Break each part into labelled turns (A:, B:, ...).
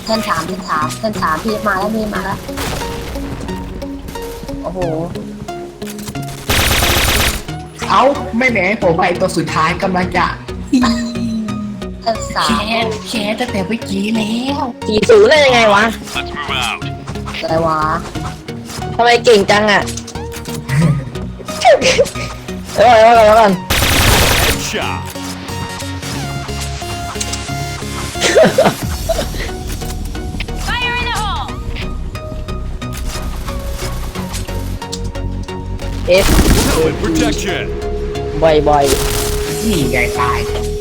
A: เพื่อนถามพี่มาแล้วโอ้โห
B: เอาไม่แหมผมไปตัวสุดท้ายกำลังจะ
A: เพื่อนสาม
B: แค่ตั้งแต่เมื่อกี้แล้ว
C: 40ได้ยังไงวะ
D: Let's move out.
A: อะไรวะ
C: ทำไมเก่งจังอ่ะเดี๋ยวก่อน
D: Headshot.
C: เอฟ
D: Helmet protection.
C: บ่อย
B: นี่ไงตาย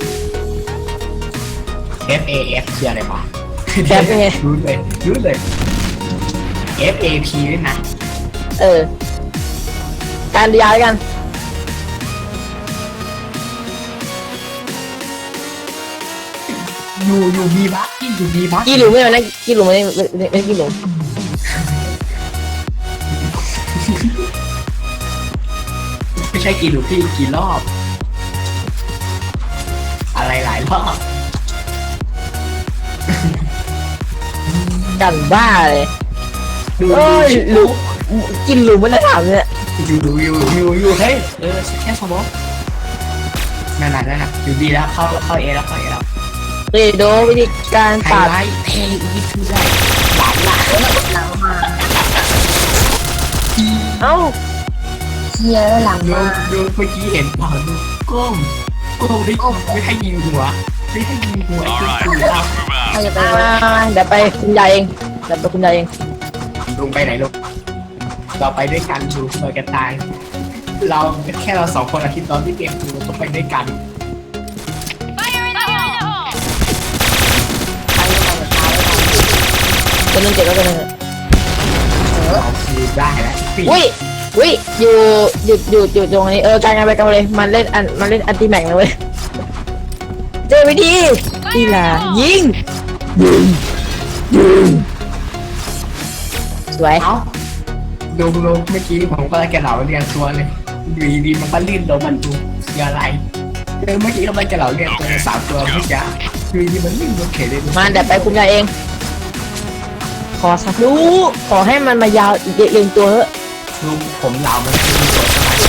B: FAF คืออะไรวะ
C: ๆแคปยังไง
B: รู้เลย FAP ด้วยนะ
C: การดียาแล้วกัน
B: อยู่มีบัคอยู่มีบัค
C: กี่หลุมไม่เอานะกี่หลุมไม่กี่หลุม
B: ไม่ใช่กี่หลุมพี่กี่รอบ อะไรหลายรอบ
C: กันบ้าเลย
B: ดู
C: เอ้ยหลุมกินหลุมไม่ได้ถามเนี่ย
B: อยู่เฮ้ยแค่สมองนั่นน่ะอยู่ดีแล้วเข้าเอแล้ว
C: เรโดวิธีการ
B: ไฮ
C: ตัด
B: ไลท์เท่อีทูได้หลาน
A: หลังมา
C: เอ้า
A: เชียร์หลัง
B: ดู
A: มา
B: ดูเมื่อกี้เห็นเปล่าดูก้มไม่ให้ยิงหัวไม่ให้ยิงหัว
D: All right,
B: ดู
D: let's move
A: ใคร
D: out.
A: จะไป
C: เดี๋ยวไปคุณยายเอง
B: ลงไปไหนลูกเราไปด้วยกันดูเราจะตาย เราแค่เราสองคนอาทิตย์ตอนที่เกมดูเราต้องไปด้วยกัน
A: ใครจะไปกับเขา
C: ตัวนึงเจ็บแล้วตัวนึง
B: เราคือได้แล้วปี
C: วิอยู่ตรงนี้การงานไปกันเลยมันเล่นอันติแม็กนะเว้ยเจอวิธีอีหล่ายิงสวย
B: เอ้าดูเมื่อกี้ผมก็เลยแกเหล่าเรียนตัวเลยอยู่ดีมันก็ลื่นลงมันดูคืออะไรเมื่อกี้เราไปแกเหล่าเรียนตัวสามตัวเมื่อกี้อยู่ดีมันลื่นลงเขยเลย
C: มาเดี๋ยวไปคุณยายเอง ขอสักรู้ขอให้มันมายาวเรียงตัวเถอะ
B: ลุงผมเหล่ามันคือตัวสบายใจ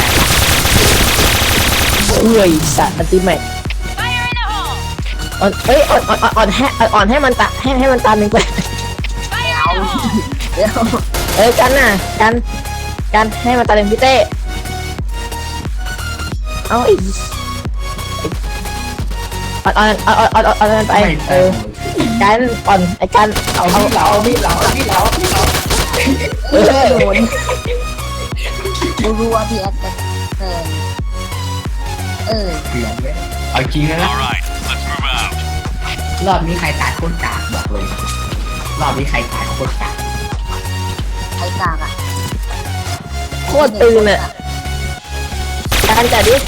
C: เอ้ยสัตว์อันติแม็กอ่อนให้มันตาให้มันตาหนึ่งไป
A: เดี๋ยว
C: กันน่ะกันให้มันตาหนึ่งพี่เต้เอาอีกอ่อนไปกันอ่อนไอ้กัน
B: เอามีดเหล่า
A: โดนกูรู้ว่าพี่แอดจะ
B: เสียงเลยเอาจริงนะ
D: All right, let's move out.
B: รอบนี้ใครตายโคตรกากบอกเลยรอบนี้ใครตายโคตรกาก
A: ใครกากอ่ะ
C: โคตรตึงเนี่ยการจัดดิ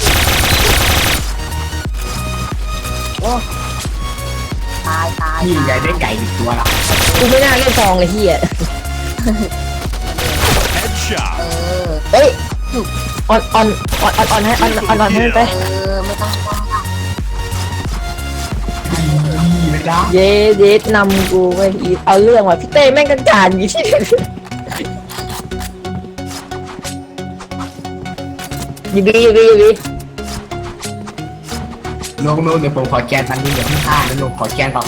A: โอ้ตาย
B: นี่ใหญ่ได้ไก่อีกตัวละ
C: กูไม่น่าเล่นซองเลยเฮีย
D: Headshot.
C: เฮ้ยอ่อนให้มันไป
A: ไม่ต้อง
B: ดีเลยนะ
C: เย็ดนำกูไปเอาเรื่องว่ะพี่เต้แม่งกันจานอยู่ที่ยูบี
B: ลุงเดี๋ยวผมขอแกนมันนี่เดี๋ยวพี่ฆ่าแล้วลุงขอแกนก่อน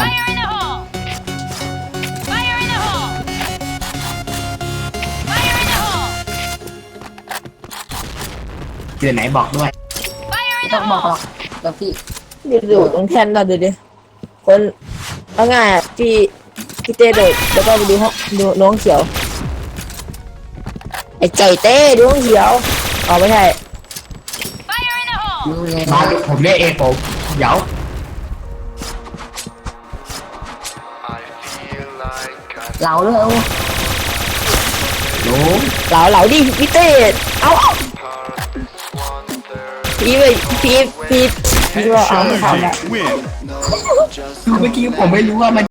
B: เจอไหนบอกด้วย
A: ไม่ต้องบอกหรอกเดี๋ยวพี่
C: ดูตรงแทนเราดูดิคนเอาง่ายอ่ะพี่เต้โดดแล้วก็ไปดูน้องเขียวไอ้ใจเต้ดูน้องเขียวอ๋อไม่ใช่
A: รู้เลย
B: มาผมเรียกเองผมเดี๋ยว
A: เหลาด้วยโอ้
B: ลุง
C: เหลาดิพี่เต้เอาพี่ว่าเอาไม่เข้าแล้ว
D: Win.
B: คือเมื่อกี้ผมไม่รู้ว่ามัน